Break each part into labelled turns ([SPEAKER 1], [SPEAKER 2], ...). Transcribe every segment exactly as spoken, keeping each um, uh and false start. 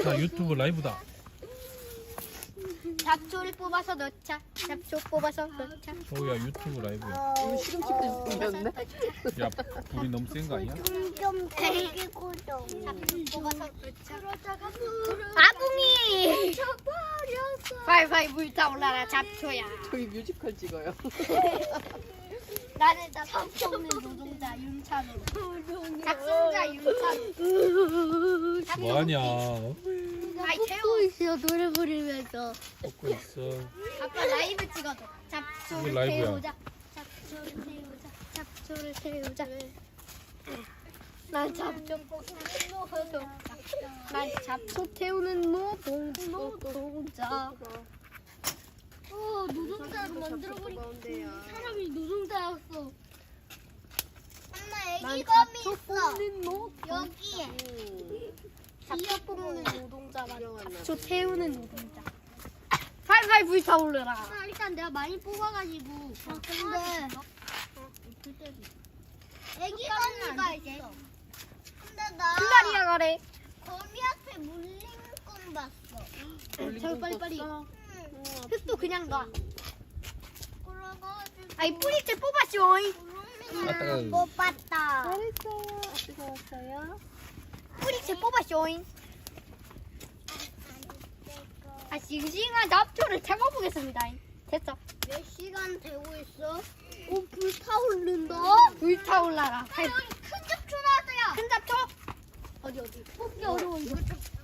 [SPEAKER 1] 자, 유튜브 라이브다.
[SPEAKER 2] 잡초를 뽑아서 넣자. 잡초 뽑아서 넣자.
[SPEAKER 1] 서우야, 유튜브 라이브야.
[SPEAKER 3] 이거 시금치도 생겼네.
[SPEAKER 1] 야, 불이 너무 센 거 아니야?
[SPEAKER 4] 좀 데리고 좀.
[SPEAKER 2] 잡초 뽑아서 넣자.
[SPEAKER 4] 그러다가
[SPEAKER 2] 아궁이.
[SPEAKER 4] 버렸어.
[SPEAKER 2] 빨빨 불타올라라 잡초야.
[SPEAKER 3] 저희 뮤지컬 찍어요.
[SPEAKER 2] 나는 나 잡초 없는 노동자 윤찬우. 작성자 윤찬우.
[SPEAKER 1] 뭐하냐?
[SPEAKER 2] 아이
[SPEAKER 4] 뽑고
[SPEAKER 2] 태워.
[SPEAKER 4] 있어 노래 부르면서.
[SPEAKER 1] 먹고 있어.
[SPEAKER 2] 아빠 라이브 찍어줘. 잡초를
[SPEAKER 1] 이거 라이브야.
[SPEAKER 2] 태우자. 잡초를 태우자. 잡초를 태우자. 난 잡초 뽑는 노동자. 난 잡초 태우는 노동 노동자.
[SPEAKER 4] 어 노동자로 만들어버린 사람이 노동자였어. 엄마
[SPEAKER 2] 난
[SPEAKER 4] 애기 검이
[SPEAKER 2] 잡초
[SPEAKER 4] 있어.
[SPEAKER 2] 뽑는 노동.
[SPEAKER 4] 여기에.
[SPEAKER 2] 잡초 뽑는 노동자만
[SPEAKER 3] 유명한
[SPEAKER 2] 잡초 태우는 노동자. 팔팔 불타오르라.
[SPEAKER 4] 아, 일단 내가 많이 뽑아가지고. 아, 근데 애기 거미가 이제. 근데 나
[SPEAKER 2] 플라리아 가래.
[SPEAKER 4] 거미한테 물린 건 봤어.
[SPEAKER 2] 저 빨리 빨리.
[SPEAKER 3] 어,
[SPEAKER 2] 흙도 그냥 놔.
[SPEAKER 4] 그래가지고
[SPEAKER 2] 아이 뿌리째 뽑았쇼.
[SPEAKER 1] 아따가.
[SPEAKER 4] 못 봤다.
[SPEAKER 3] 잘했어요. 뜨거웠어요.
[SPEAKER 2] 뿌리째 뽑았쇼. 아 싱싱한 잡초를 태워보겠습니다. 됐어.
[SPEAKER 4] 몇 시간 되고 있어? 오, 불 타오른다.
[SPEAKER 2] 불타올라라.
[SPEAKER 4] 아, 여기 큰 잡초 나왔어요.
[SPEAKER 2] 큰 잡초.
[SPEAKER 4] 어디 어디? 뽑기 어려워 이거.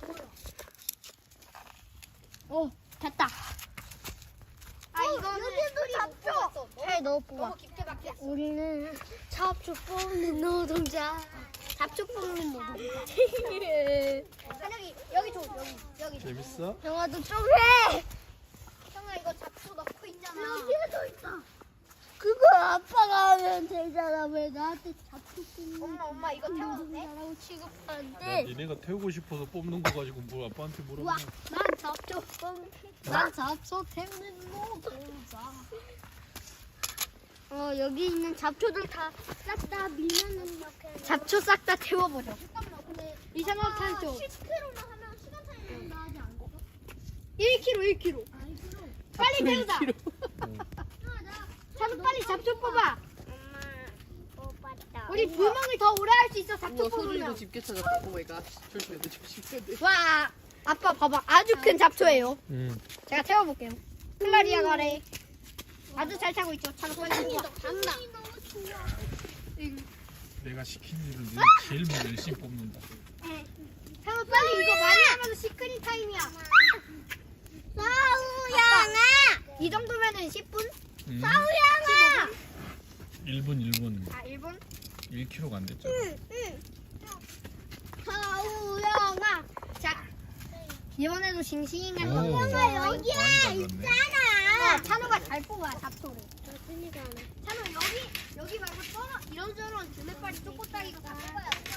[SPEAKER 2] 오 됐다. 아
[SPEAKER 4] 어,
[SPEAKER 2] 이거는
[SPEAKER 4] 여기도 잡초.
[SPEAKER 2] 잘 넣어 뽑아.
[SPEAKER 4] 너무 깊게 박혔어.
[SPEAKER 2] 우리는 잡초 뽑는 노동자. 잡초 뽑는 노동자. 한영이 여기 줘 여기 여기.
[SPEAKER 1] 재밌어?
[SPEAKER 2] 영화도 좀 해. 형아 이거 잡초 넣고 있잖아.
[SPEAKER 4] 여기에도 있어. 그거 아빠가 하면 되잖아. 왜 나한테 잡초 뽑는
[SPEAKER 2] 엄마 엄마 이거 태워도 돼?
[SPEAKER 4] 노동자라고
[SPEAKER 1] 야,
[SPEAKER 4] 취급하는데?
[SPEAKER 1] 니네가 태우고 싶어서 뽑는 거 가지고 뭘 아빠한테
[SPEAKER 2] 우와
[SPEAKER 1] 물어보냐?
[SPEAKER 2] 난 잡초 뽑는 난 잡초 태우는 노동자.
[SPEAKER 4] 어 여기 있는 잡초들 다 싹 다 밀면은 이렇게.
[SPEAKER 2] 잡초 싹 다 태워버려.
[SPEAKER 4] 잠깐만 근데
[SPEAKER 2] 이상한 탄소.
[SPEAKER 4] 십 킬로나 하면 시간 차이 나지 않고?
[SPEAKER 2] 일 킬로그램 일 킬로그램.
[SPEAKER 4] 아니 그럼.
[SPEAKER 2] 빨리
[SPEAKER 3] 잡초
[SPEAKER 2] 태우자.
[SPEAKER 3] 일 킬로그램.
[SPEAKER 2] 찬우 빨리 잡초 뽑아.
[SPEAKER 4] 엄마 못 봤다.
[SPEAKER 2] 우리 불멍을 더 오래 할 수 있어. 잡초
[SPEAKER 3] 우와, 소준이도
[SPEAKER 2] 뽑으면.
[SPEAKER 3] 집게 찾았다. 오 마이 갓. 조심해야 돼, 조심해야 돼.
[SPEAKER 2] 와 아빠 봐봐 아주 큰 잡초예요.
[SPEAKER 1] 응.
[SPEAKER 2] 제가 태워볼게요. 플라리아 가래. 아주 잘 타고 있죠. 찬우 빨리 뽑아.
[SPEAKER 4] 간다. 너무 좋아.
[SPEAKER 1] 내가 시킨 일을 내가 제일 먼저 열심히 뽑는다.
[SPEAKER 2] 찬우 빨리 이거 많이 하면 시크릿 타임이야.
[SPEAKER 4] 사우양아.
[SPEAKER 2] 이 정도면은 십 분?
[SPEAKER 1] 응.
[SPEAKER 4] 사우양아.
[SPEAKER 1] 일 분, 일 분.
[SPEAKER 2] 아 일 분?
[SPEAKER 1] 일 킬로그램가 안 됐잖아.
[SPEAKER 4] 사우양아.
[SPEAKER 2] 자 이번에도 싱싱한
[SPEAKER 1] 오,
[SPEAKER 2] 거.
[SPEAKER 4] 엄마 여기에
[SPEAKER 1] 많이
[SPEAKER 4] 있잖아.
[SPEAKER 2] 어, 찬우가 잘 뽑아 잡초를.
[SPEAKER 4] 저순이가 하네.
[SPEAKER 2] 찬우 여기 여기 말고 썰어 이런저런 주먹발이 쪼꼬따기가 다 뽑아야 돼.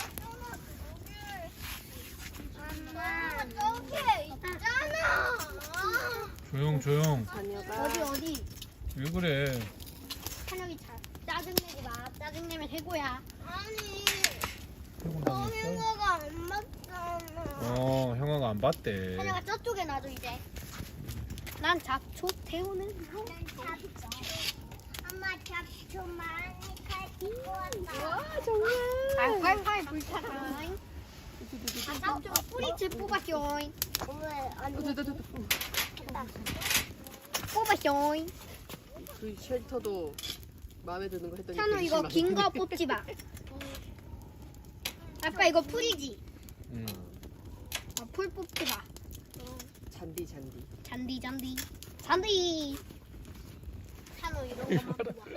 [SPEAKER 4] 엄마 저기 있잖아.
[SPEAKER 1] 조용, 조용.
[SPEAKER 3] 자녀가
[SPEAKER 2] 어디 어디?
[SPEAKER 1] 왜 그래?
[SPEAKER 2] 찬혁이 잘 짜증내지 마. 짜증내면 해고야.
[SPEAKER 4] 아니
[SPEAKER 1] 태우고 다녔어?
[SPEAKER 4] 형아가 안 맞잖아.
[SPEAKER 1] 어, 형아가 안 봤대.
[SPEAKER 2] 찬혁아 저쪽에 놔줘 이제. 난 잡초 태우는 거.
[SPEAKER 4] 엄마 잡초 많이 가지고 왔다.
[SPEAKER 3] 와 정말.
[SPEAKER 2] 팔팔팔 불타라. 아 잡초 뿌리째 뽑았쇼.
[SPEAKER 4] 왜 아니
[SPEAKER 3] 어, 됐다, 됐다.
[SPEAKER 2] 뽑았쇼.
[SPEAKER 3] 그 쉘터도 마음에 드는 거 했더니
[SPEAKER 2] 찬우
[SPEAKER 3] 되게
[SPEAKER 2] 이거 긴 거
[SPEAKER 3] 실망했네.
[SPEAKER 2] 뽑지 마. 아빠 이거 풀이지?
[SPEAKER 1] 응.
[SPEAKER 2] 아, 풀 뽑지 마.
[SPEAKER 3] 잔디 잔디.
[SPEAKER 2] 잔디 잔디 잔디. 찬우 이런 거만 뽑아.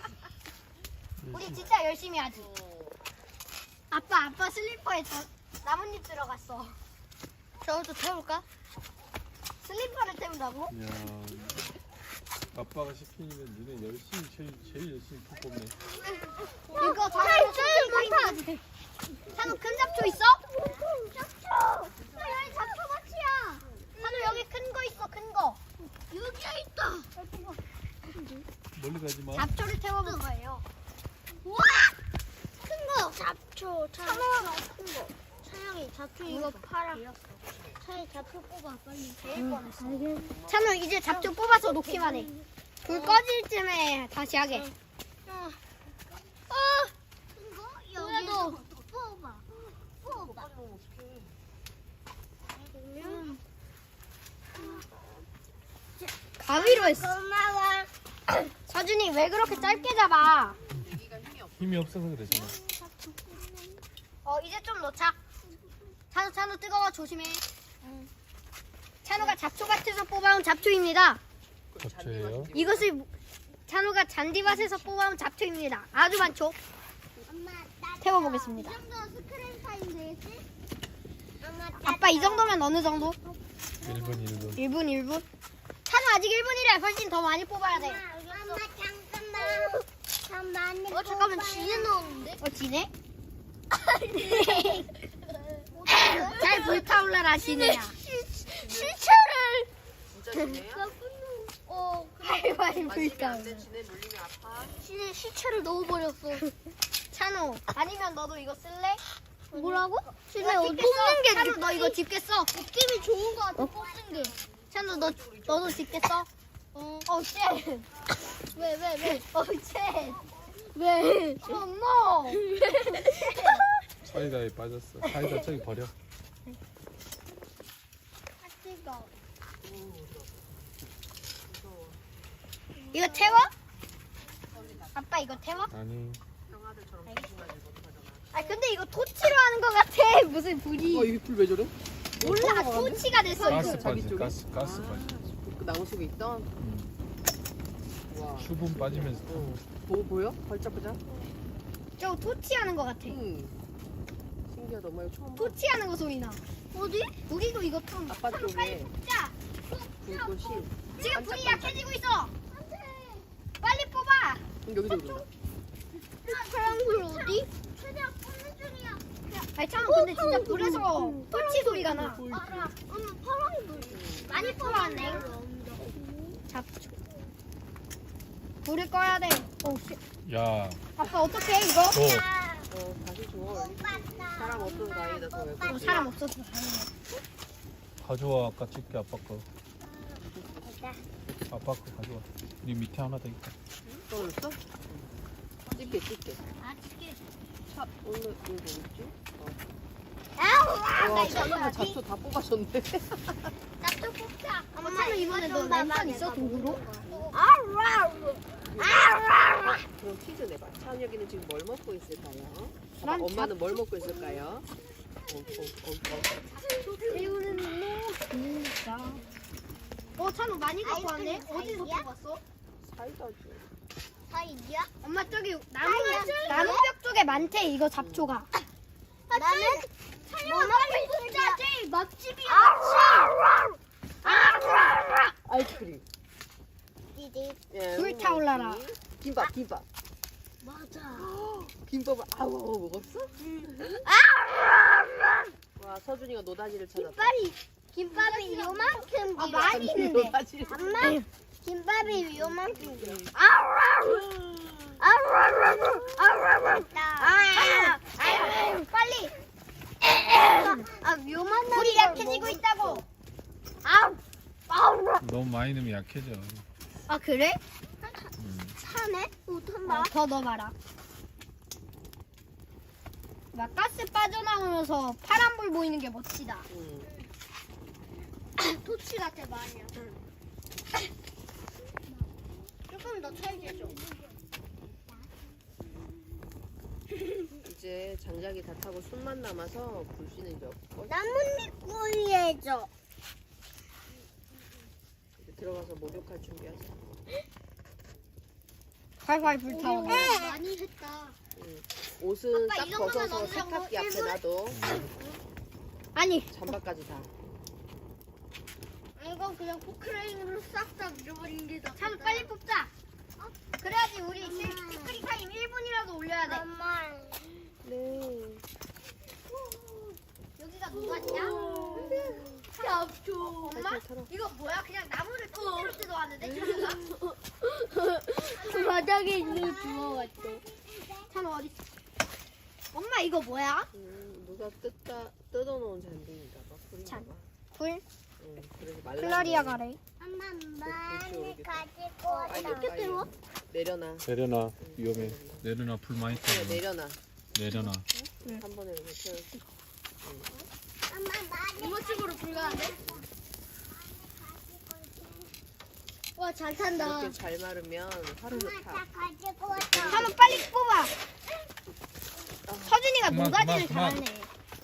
[SPEAKER 2] 우리 진짜 열심히 하지. 아빠 아빠 슬리퍼에 저 나뭇잎 들어갔어. 저것도 태울까? 슬리퍼를 태운다고?
[SPEAKER 1] 야, 아빠가 시키니까 니네 열심히 제일 제일 열심히 뽑네.
[SPEAKER 2] 이거 찬우 타임까지 돼. 찬우 큰 잡초 있어?
[SPEAKER 4] 잡초. 여기 잡초 같이야.
[SPEAKER 2] 찬우 여기 큰 거 있어 큰 거.
[SPEAKER 4] 여기에 있다.
[SPEAKER 1] 멀리 가지 마.
[SPEAKER 2] 잡초를 태워볼 거예요.
[SPEAKER 4] 우와! 큰 거. 잡초. 찬영아 큰 거. 찬영이
[SPEAKER 2] 잡초 이거 팔아. 차에 잡초 뽑아 빨리. 응, 찬우 이제 잡초 뽑아서 놓기만 해. 불 꺼질 쯤에 다시 하게. 어. 이거 여기도 뽑아. 뽑아. 가위로 했어. 고마워. 서준이 왜 그렇게 짧게 잡아?
[SPEAKER 3] 여기가 힘이 없어.
[SPEAKER 1] 힘이 없어서 그래 저는.
[SPEAKER 2] 어 이제 좀 넣자. 찬우 찬우 뜨거워 조심해. 찬우가 잡초 밭에서 뽑아온 잡초입니다.
[SPEAKER 1] 잡초예요?
[SPEAKER 2] 이것을 찬우가 잔디밭에서 뽑아온 잡초입니다. 아주 많죠? 태워보겠습니다.
[SPEAKER 4] 이 정도 스크린 타임 되겠지?
[SPEAKER 2] 아빠 이 정도면 어느 정도?
[SPEAKER 1] 일 분 일 분.
[SPEAKER 2] 일 분 일 분? 찬우 아직 일 분이래. 훨씬 더 많이 뽑아야 돼.
[SPEAKER 4] 엄마 잠깐만. 참 많이
[SPEAKER 2] 어 잠깐만
[SPEAKER 4] 뽑아야
[SPEAKER 2] 지네 넣었는데? 어 지네? 잘 불타올라라 지네야. 시체를
[SPEAKER 3] 진짜 지네야?
[SPEAKER 2] 어 활활
[SPEAKER 3] 아, 지네
[SPEAKER 2] 불타올라.
[SPEAKER 3] 안돼. 지네 물리면 아파.
[SPEAKER 2] 시체 시체를 넣어버렸어. 찬우 아니면 너도 이거 쓸래? 뭐라고? 시체 어디 뽑는 게 찬우 너 이거 집겠어? 느낌이 좋은 거 같아 뽑는 게. 찬우 너 너도 집겠어? 어. 어 쉣. 왜왜 왜? 어 쉣. 왜? 엄마.
[SPEAKER 1] 사이다에 빠졌어. 사이다 저기 버려.
[SPEAKER 2] 이거 태워? 아빠 이거 태워?
[SPEAKER 1] 아니.
[SPEAKER 3] 형아들처럼 조심하지 못하잖아.
[SPEAKER 2] 아 근데 이거 토치로 하는 거 같아. 무슨 불이.
[SPEAKER 3] 어, 이게 불 왜 저래?
[SPEAKER 2] 몰라 토치가 됐어
[SPEAKER 1] 가스
[SPEAKER 2] 이거.
[SPEAKER 3] 자기
[SPEAKER 1] 빠지.
[SPEAKER 3] 쪽에?
[SPEAKER 1] 가스 가스
[SPEAKER 3] 아,
[SPEAKER 1] 빠지.
[SPEAKER 3] 그 나무 속에 있던.
[SPEAKER 1] 음.
[SPEAKER 3] 와.
[SPEAKER 1] 수분 빠지면서.
[SPEAKER 3] 어. 보 보여? 발짝발짝.
[SPEAKER 2] 저 토치 하는 거 같아.
[SPEAKER 3] 응. 신기하다. 엄마 이거 처음 봐.
[SPEAKER 2] 토치 하는 거 소리 나. 어디? 우리도 이거 좀.
[SPEAKER 3] 아빠
[SPEAKER 2] 빨리
[SPEAKER 3] 쪽에
[SPEAKER 2] 자
[SPEAKER 3] 불꽃이.
[SPEAKER 2] 지금 불이 약해지고 있어. 빨리 뽑아.
[SPEAKER 3] 응, 여기도 그런다.
[SPEAKER 2] 파란 불 어디?
[SPEAKER 4] 최대한 뽑는 중이야.
[SPEAKER 2] 아니 참 근데 진짜 불에서 토치 소리가 나.
[SPEAKER 4] 엄마 파란 불.
[SPEAKER 2] 많이 뽑았네. 잡초. 불을 꺼야 돼. 오 씨.
[SPEAKER 1] 야.
[SPEAKER 2] 아빠 어떡해 이거?
[SPEAKER 1] 너
[SPEAKER 3] 어, 다시 줘. 사람 없어서 다행이다. 저 왜
[SPEAKER 2] 어,
[SPEAKER 3] 그러지?
[SPEAKER 2] 사람 없어서 다행이네.
[SPEAKER 1] 가져와. 아까 찍게 아빠 거. 아빠 거 가져와. 이 밑에 하나 더 있다.
[SPEAKER 3] 떨어졌어? 찍게 찍게.
[SPEAKER 2] 아 찍게.
[SPEAKER 3] 차 오늘 이거 뭐 있지? 어.
[SPEAKER 2] 아우 나
[SPEAKER 3] 와,
[SPEAKER 2] 이거
[SPEAKER 3] 찬우가
[SPEAKER 2] 뭐지?
[SPEAKER 3] 잡초 다 뽑아줬네.
[SPEAKER 2] 잡초 뽑자. 엄마 이번에 너 랜선 있어 도구로?
[SPEAKER 3] 그럼 퀴즈 내봐. 찬혁이는 지금 뭘 먹고 있을까요?
[SPEAKER 2] 난
[SPEAKER 3] 엄마는 뭘 먹고 있을까요? 어, 어, 어, 어.
[SPEAKER 2] 이거는 뭐 진짜. 어 찬우 많이 갖고 왔네. 어디서 뽑았어?
[SPEAKER 3] 사이다지.
[SPEAKER 2] 사이드야? 엄마 저기 나무 나무벽 쪽에 많대 이거 잡초가.
[SPEAKER 4] 나는
[SPEAKER 2] 뭐 먹고 있어? 제일 맛집이야.
[SPEAKER 3] 아이스크림.
[SPEAKER 4] 디디.
[SPEAKER 3] 예,
[SPEAKER 2] 불타올라라.
[SPEAKER 3] 먹었지. 김밥, 김밥.
[SPEAKER 4] 맞아.
[SPEAKER 3] 김밥을 아우 먹었어? 와 서준이가 노다지를 찾았다.
[SPEAKER 2] 김밥이 김밥이 요만큼
[SPEAKER 4] 아,
[SPEAKER 2] 많이 있는데.
[SPEAKER 3] 노다지를.
[SPEAKER 4] 엄마 김밥이 요만큼 돼.
[SPEAKER 2] 아, 아, 빨리. 아, 묘만 불이 약해지고 있다고. 아우.
[SPEAKER 1] 너무 많이 넣으면 약해져.
[SPEAKER 2] 아, 그래?
[SPEAKER 1] 음.
[SPEAKER 2] 차네? 어, 더 넣어봐라. 막 가스 빠져나오면서 파란불 보이는 게 멋지다.
[SPEAKER 3] 응.
[SPEAKER 2] 토치 같아, 마냥. 조금 더 찰지죠?
[SPEAKER 3] 이제 장작이 다 타고 숨만 남아서 불씨는 이제 없고
[SPEAKER 4] 나뭇잎 구이해줘.
[SPEAKER 3] 이제 들어가서 목욕할 준비하자.
[SPEAKER 2] 활활 불타오르.
[SPEAKER 4] 많이 했다.
[SPEAKER 3] 응. 옷은
[SPEAKER 2] 아빠,
[SPEAKER 3] 싹
[SPEAKER 2] 이 정도면
[SPEAKER 3] 벗어서
[SPEAKER 2] 어느 정도?
[SPEAKER 3] 세탁기 앞에
[SPEAKER 2] 일분?
[SPEAKER 3] 놔둬.
[SPEAKER 2] 아니,
[SPEAKER 3] 잠바까지 다.
[SPEAKER 4] 이건 그냥 포크레인으로 싹싹 밀어버린 게 더.
[SPEAKER 2] 참 빨리 뽑자. 그래야지 우리 시크릿 타임 일 분이라도 올려야 돼.
[SPEAKER 4] 엄마.
[SPEAKER 3] 네.
[SPEAKER 2] 여기가 녹았냐?
[SPEAKER 4] 잡초.
[SPEAKER 2] 엄마?
[SPEAKER 3] 살살 털어.
[SPEAKER 2] 이거 뭐야? 그냥 나무를 통째로 뜯어왔는데?
[SPEAKER 4] 바닥에 있는 주워 같아.
[SPEAKER 2] 찬우 어디 있어? 엄마 이거 뭐야?
[SPEAKER 3] 음, 누가 뜯다 뜯어놓은 잔디인가 봐. 풀인가
[SPEAKER 2] 잔.
[SPEAKER 3] 봐.
[SPEAKER 2] 불
[SPEAKER 3] 응, 그래서 말라.
[SPEAKER 2] 플라리아 가래.
[SPEAKER 4] 엄마
[SPEAKER 3] 그렇지,
[SPEAKER 4] 많이
[SPEAKER 3] 여기.
[SPEAKER 4] 가지고
[SPEAKER 3] 아,
[SPEAKER 4] 왔다.
[SPEAKER 3] 이렇게 떼워? 내려놔.
[SPEAKER 1] 내려놔. 위험해. 내려놔. 불 많이
[SPEAKER 3] 그래,
[SPEAKER 1] 타고.
[SPEAKER 3] 내려놔.
[SPEAKER 1] 내려놔.
[SPEAKER 3] 한 번에 이렇게 태워서.
[SPEAKER 4] 엄마 많이
[SPEAKER 2] 이모집으로 불가는데? 와, 잘 탄다.
[SPEAKER 3] 이렇게 잘 마르면 화르르
[SPEAKER 4] 엄마
[SPEAKER 3] 타.
[SPEAKER 4] 다 가지고 왔다.
[SPEAKER 2] 한번 빨리 뽑아. 서준이가
[SPEAKER 1] 그만,
[SPEAKER 2] 노다지를
[SPEAKER 1] 그만,
[SPEAKER 2] 잘하네.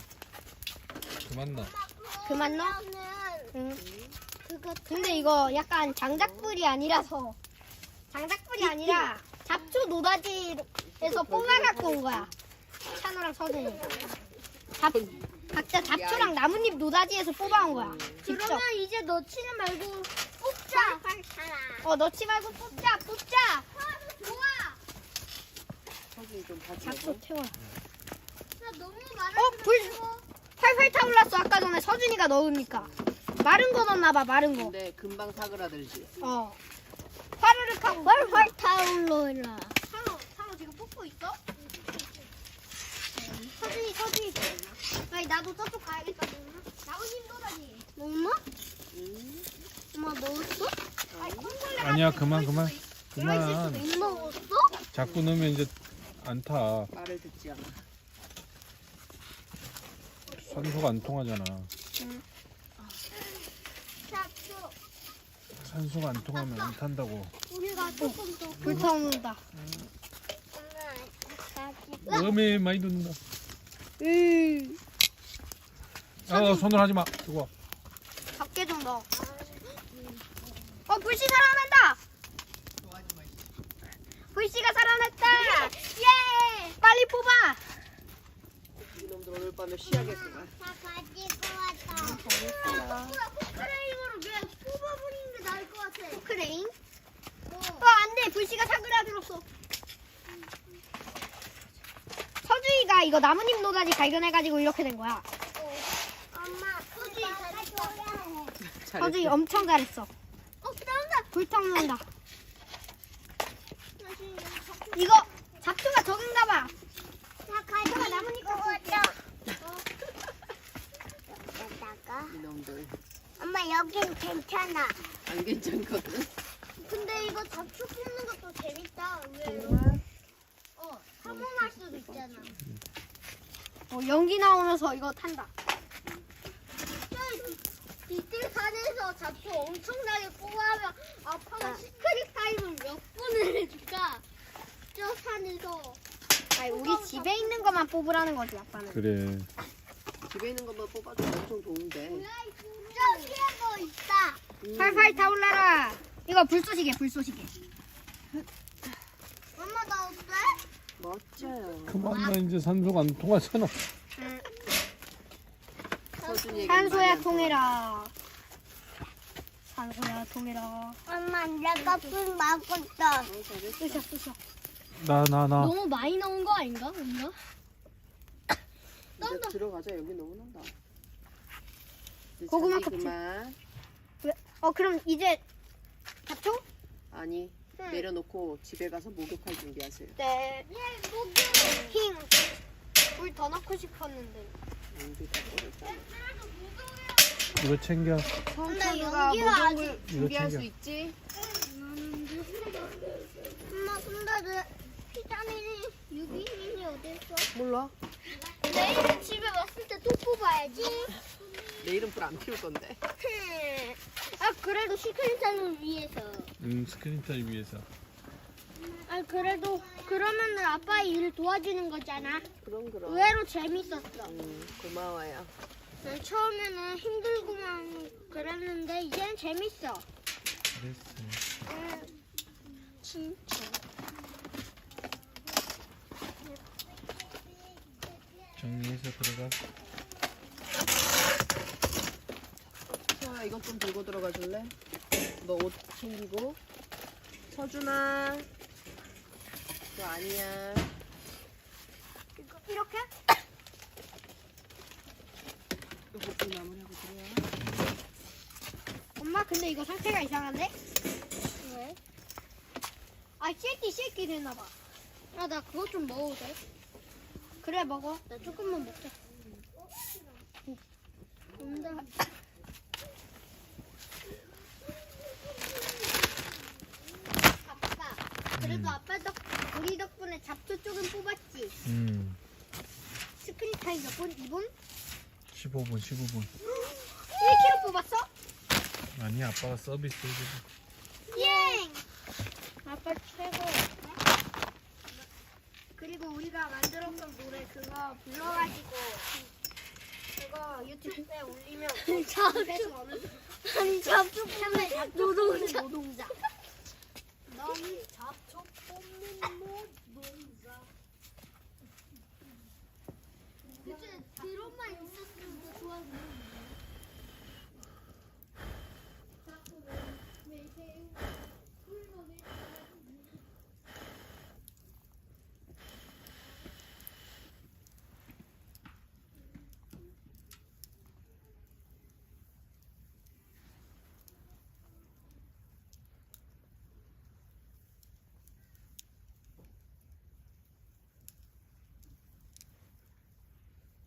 [SPEAKER 1] 그만 나.
[SPEAKER 2] 그만 넣어?
[SPEAKER 4] 그러면은
[SPEAKER 2] 응.
[SPEAKER 4] 그거
[SPEAKER 2] 근데 이거 약간 장작불이 아니라서 장작불이 아니라 잡초 노다지에서 뽑아갖고 온 거야. 찬호랑 서준이. 잡, 각자 잡초랑 나뭇잎 노다지에서 뽑아온 거야. 직접.
[SPEAKER 4] 그러면 이제 넣지는 말고 뽑자.
[SPEAKER 2] 어, 넣지 말고 뽑자, 뽑자.
[SPEAKER 4] 좋아.
[SPEAKER 3] 서준이 좀 봐줘.
[SPEAKER 2] 잡초 태워.
[SPEAKER 4] 나 너무 많아.
[SPEAKER 2] 어, 불 활활 타올랐어. 아까 전에 서준이가 넣으니까. 마른 거 넣었나봐, 마른 거.
[SPEAKER 3] 근데 금방 사그라들지.
[SPEAKER 2] 어. 화르륵 하고
[SPEAKER 4] 활활 타올라라.
[SPEAKER 2] 찬호, 찬호 지금 뽑고 있어? 서준이, 서준이. 아니, 나도 저쪽 가야겠다. 나뭇잎 노다지.
[SPEAKER 4] 엄마?
[SPEAKER 3] 응.
[SPEAKER 4] 엄마 넣었어?
[SPEAKER 2] 아니, 콩벌레
[SPEAKER 1] 아니야,
[SPEAKER 2] 같은 게
[SPEAKER 1] 그만,
[SPEAKER 2] 들어있을
[SPEAKER 1] 그만.
[SPEAKER 2] 수도 있- 들어있을 수도
[SPEAKER 1] 그만.
[SPEAKER 2] 있어.
[SPEAKER 4] 넣었어?
[SPEAKER 1] 자꾸 넣으면 이제 안 타.
[SPEAKER 3] 말을 듣지 않아.
[SPEAKER 1] 산소가 안 통하잖아.
[SPEAKER 4] 잡초.
[SPEAKER 1] 산소가 안 통하면 안 탄다고.
[SPEAKER 4] 우리가 조금 더.
[SPEAKER 2] 불타오른다.
[SPEAKER 4] 엄마 가지고.
[SPEAKER 1] 너무 많이 넣는다.
[SPEAKER 2] 음.
[SPEAKER 1] 어, 손을 하지 마. 그거.
[SPEAKER 2] 적게 좀 넣어. 어, 불씨 살아난다! 불씨가 살아났다! 예! 빨리 뽑아!
[SPEAKER 3] 이놈들 오늘 밤에 쉬야겠구만.
[SPEAKER 4] 다 가지고 왔다. 포크레인으로 그냥 뽑아버리는 게 나을 것 같아.
[SPEAKER 2] 포크레인? 어, 안 돼! 불씨가 사그라들었어. 서주이가 이거 나뭇잎 노다지 발견해가지고 이렇게 된 거야.
[SPEAKER 4] 엄마, 소주이 가져와야 해.
[SPEAKER 2] 서주이 엄청 잘했어.
[SPEAKER 4] 어, 나온다.
[SPEAKER 2] 불타오른다. 이거 잡초가 적은가 봐.
[SPEAKER 4] 다 가져와. 나뭇잎 갖고 왔다. 여기다가.
[SPEAKER 3] 이놈들
[SPEAKER 4] 엄마, 여긴 괜찮아.
[SPEAKER 3] 안 괜찮거든.
[SPEAKER 4] 근데 이거 잡초 뽑는 것도 재밌다. 왜? 어, 사모할 수도 있잖아.
[SPEAKER 2] 어, 연기 나오면서 이거 탄다.
[SPEAKER 4] 이틀 산에서 잡초 엄청나게 뽑아하면 아빠가 시크릿 타임을 몇 분을 해줄까? 저 산에서.
[SPEAKER 2] 아니, 우리 집에 있는 것만 뽑으라는 거지, 아빠는.
[SPEAKER 1] 그래.
[SPEAKER 3] 집에 있는 것만 뽑아주면 엄청 좋은데.
[SPEAKER 4] 저기에도 있다.
[SPEAKER 3] 음.
[SPEAKER 2] 팔팔 타올라라. 이거 불쏘시개, 불쏘시개.
[SPEAKER 4] 엄마 나 어때?
[SPEAKER 3] 멋져요.
[SPEAKER 1] 그만 나. 이제 산소가 안 통하잖아.
[SPEAKER 3] 서준이에게
[SPEAKER 2] 산소야
[SPEAKER 3] 많이 안
[SPEAKER 2] 통해라. 산소야 통해라.
[SPEAKER 4] 엄마 내가 불 막았다.
[SPEAKER 3] 통해. 어, 잘했어.
[SPEAKER 2] 쑤셔, 쑤셔.
[SPEAKER 1] 나, 나, 나.
[SPEAKER 2] 너무 많이 나온 거 아닌가? 뭔가?
[SPEAKER 3] 이제 들어가자. 여기 너무 난다. 이제
[SPEAKER 2] 고구마
[SPEAKER 3] 잔디
[SPEAKER 2] 껍질.
[SPEAKER 3] 그만.
[SPEAKER 2] 왜? 어, 그럼 이제 잡초?
[SPEAKER 3] 아니
[SPEAKER 2] 응.
[SPEAKER 3] 내려놓고 집에 가서 목욕할 준비하세요.
[SPEAKER 2] 네. 힝. 불 더 넣고 싶었는데.
[SPEAKER 3] 음, 이제 다 버렸잖아.
[SPEAKER 1] 이거 챙겨.
[SPEAKER 2] 근데
[SPEAKER 4] 연기가
[SPEAKER 3] 목욕을
[SPEAKER 1] 이거
[SPEAKER 3] 준비할 수
[SPEAKER 1] 챙겨.
[SPEAKER 3] 있지?
[SPEAKER 4] 엄마 근데 내 비타민이 유기민이 어딨어?
[SPEAKER 3] 몰라.
[SPEAKER 4] 내일 집에 왔을 때 또 뽑아야지.
[SPEAKER 3] 내일은 불 안 피울 건데.
[SPEAKER 4] 아 그래도 시크릿 타임을 위해서.
[SPEAKER 1] 음, 스크린 타임 위해서.
[SPEAKER 4] 아 그래도 그러면은 아빠 일 도와주는 거잖아.
[SPEAKER 3] 그럼 그럼.
[SPEAKER 4] 의외로 재밌었어.
[SPEAKER 3] 음, 고마워요.
[SPEAKER 4] 난 처음에는 힘들고만 그랬는데 이제는 재밌어.
[SPEAKER 1] 그랬어.
[SPEAKER 4] 응, 진짜.
[SPEAKER 1] 정리해서 들어가.
[SPEAKER 3] 소아야 이것 좀 들고 들어가 줄래? 너 옷 챙기고. 서준아. 그거 아니야.
[SPEAKER 2] 이렇게?
[SPEAKER 3] 이거 좀 마무리하고 들어와.
[SPEAKER 2] 엄마, 근데 이거 상태가 이상한데?
[SPEAKER 4] 왜?
[SPEAKER 2] 아, 쉐끼 쉐끼 되나봐.
[SPEAKER 4] 아 나 그거 좀 먹어도 돼?
[SPEAKER 2] 그래, 먹어.
[SPEAKER 4] 나 조금만 먹자. 온다.
[SPEAKER 2] 아빠. 그래도
[SPEAKER 1] 음.
[SPEAKER 2] 아빠 덕 우리 덕분에 잡초 쪽은 뽑았지.
[SPEAKER 1] 음.
[SPEAKER 2] 스크린 타임 몇 분? 이 분?
[SPEAKER 1] 십오 분, 십오 분.
[SPEAKER 2] 일 킬로그램 뽑았어?
[SPEAKER 1] 아니, 아빠가 서비스 해주고.
[SPEAKER 2] 예!
[SPEAKER 4] 아빠 최고.
[SPEAKER 2] 그리고 우리가 만들었던 노래 그거 불러가지고 그거 유튜브에 올리면
[SPEAKER 4] 잡초.
[SPEAKER 2] 어느
[SPEAKER 4] 아니 잡초
[SPEAKER 2] 처음에
[SPEAKER 4] 노동자.
[SPEAKER 2] 노동자. 너무